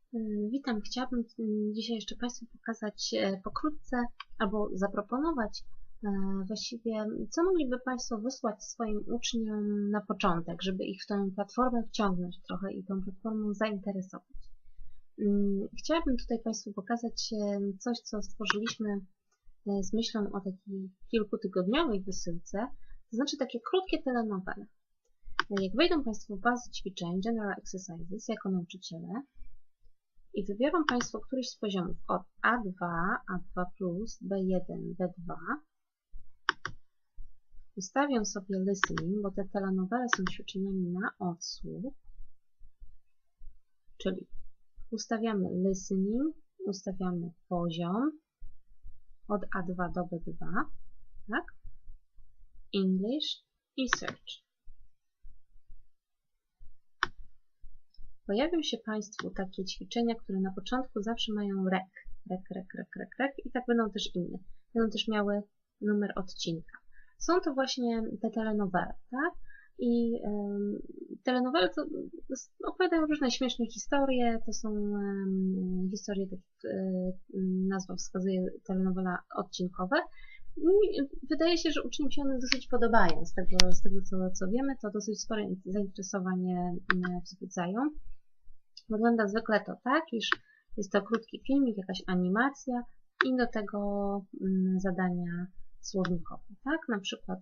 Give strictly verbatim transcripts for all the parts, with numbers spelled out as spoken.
Witam, chciałabym dzisiaj jeszcze Państwu pokazać pokrótce albo zaproponować właściwie, co mogliby Państwo wysłać swoim uczniom na początek, żeby ich w tę platformę wciągnąć trochę i tą platformą zainteresować. Chciałabym tutaj Państwu pokazać coś, co stworzyliśmy z myślą o takiej kilkutygodniowej wysyłce, to znaczy takie krótkie telenowele. Jak wejdą Państwo w bazę ćwiczeń General Exercises jako nauczyciele, i wybiorą Państwo któryś z poziomów od A dwa, A dwa plus, B jeden, B dwa. Ustawię sobie listening, bo te telenowele są ćwiczeniami na odsłuch. Czyli ustawiamy listening, ustawiamy poziom od A dwa do B dwa, tak? English i search. Pojawią się Państwu takie ćwiczenia, które na początku zawsze mają rek, rek, rek, rek, rek, rek i tak będą też inne. Będą też miały numer odcinka. Są to właśnie te telenowele, tak? I um, telenowele to opowiadają różne śmieszne historie, to są um, historie, tak jak um, nazwa wskazuje, telenowela odcinkowe. I wydaje się, że uczniom się one dosyć podobają. Z tego, z tego co, co wiemy, to dosyć spore zainteresowanie wzbudzają. Wygląda zwykle to tak, iż jest to krótki filmik, jakaś animacja i do tego mm, zadania słownikowe, tak? Na przykład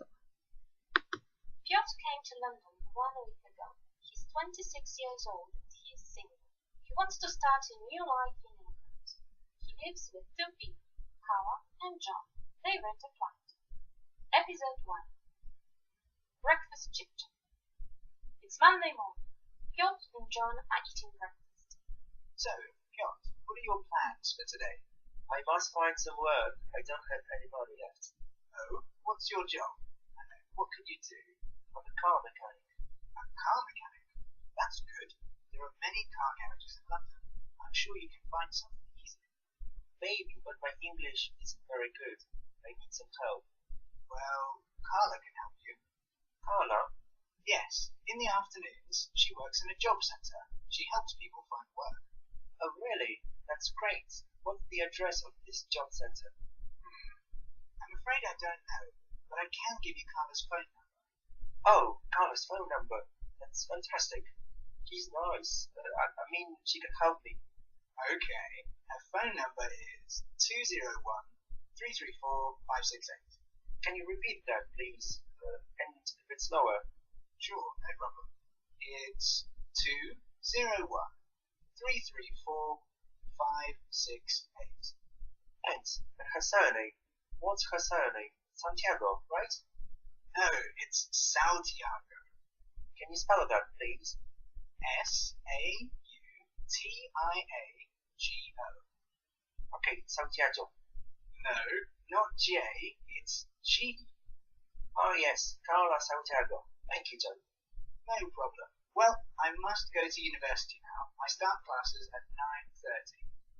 Piotr came to London one week ago. He's twenty-six years old and he is single. He wants to start a new life in England. He lives with two people, Carla and John. They rent a flat. Episode one. Breakfast chit-chat. It's Monday morning. Piotr and John are eating breakfast. So, Piotr, what are your plans for today? I must find some work. I don't have any money left. Oh, what's your job? And what can you do? I'm a car mechanic. A car mechanic? That's good. There are many car garages in London. I'm sure you can find something easily. Maybe, but my English isn't very good. I need some help. Well, Carla can help you. Carla? Yes, in the afternoons, she works in a job centre. She helps people find work. Oh, really? That's great. What's the address of this job centre? Hmm. I'm afraid I don't know, but I can give you Carla's phone number. Oh, Carla's phone number. That's fantastic. She's nice. Uh, I, I mean, she can help me. Okay. Her phone number is two zero one, three three four, five six eight. Can you repeat that, please? Uh, and a bit slower. Sure, no problem. It's two zero one, three three four, five six eight. And her surname. What's her surname? Santiago, right? No, it's Santiago. Can you spell that, please? S A U T I A G O. Okay, Santiago. No, not J, it's G. Oh yes, Carla Santiago. Thank you, John. No problem. Well, I must go to university now. I start classes at nine thirty.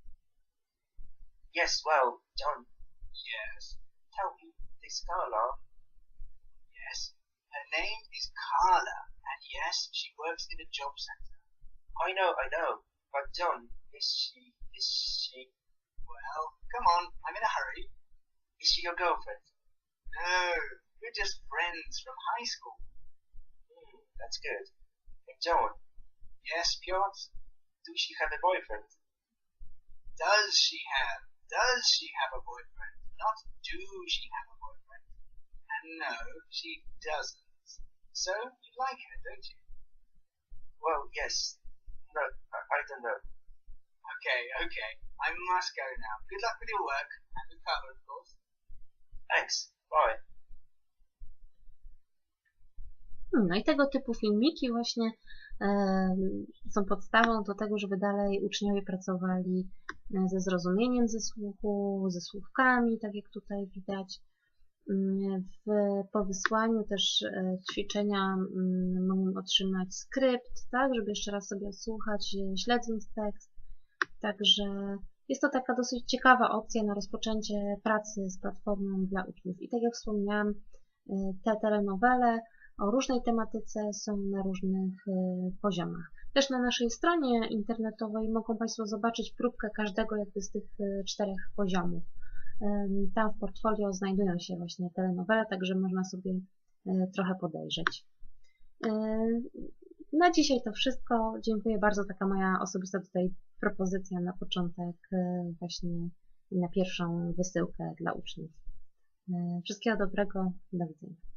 Yes, well, John. Yes? Tell me, this Carla? Yes? Her name is Carla, and yes, she works in a job centre. I know, I know. But John, is she, is she... Well, come on, I'm in a hurry. Is she your girlfriend? No, we're just friends from high school. Hmm, that's good. And John? Yes, Piotr? Does she have a boyfriend? Does she have? Does she have a boyfriend? Not do she have a boyfriend. And no, she doesn't. So, you like her, don't you? Well, yes. No, I, I don't know. Okay, okay. I must go now. Good luck with your work. And with Carla, of course. Thanks. Bye. No i tego typu filmiki właśnie e, są podstawą do tego, żeby dalej uczniowie pracowali ze zrozumieniem ze słuchu, ze słówkami, tak jak tutaj widać. W, po wysłaniu też e, ćwiczenia m, mogą otrzymać skrypt, tak, żeby jeszcze raz sobie odsłuchać, śledząc tekst. Także jest to taka dosyć ciekawa opcja na rozpoczęcie pracy z platformą dla uczniów. I tak jak wspomniałam, te telenowele o różnej tematyce są na różnych poziomach. Też na naszej stronie internetowej mogą Państwo zobaczyć próbkę każdego jakby z tych czterech poziomów. Tam w portfolio znajdują się właśnie telenowele, także można sobie trochę podejrzeć. Na dzisiaj to wszystko. Dziękuję bardzo. Taka moja osobista tutaj propozycja na początek, właśnie na pierwszą wysyłkę dla uczniów. Wszystkiego dobrego. Do widzenia.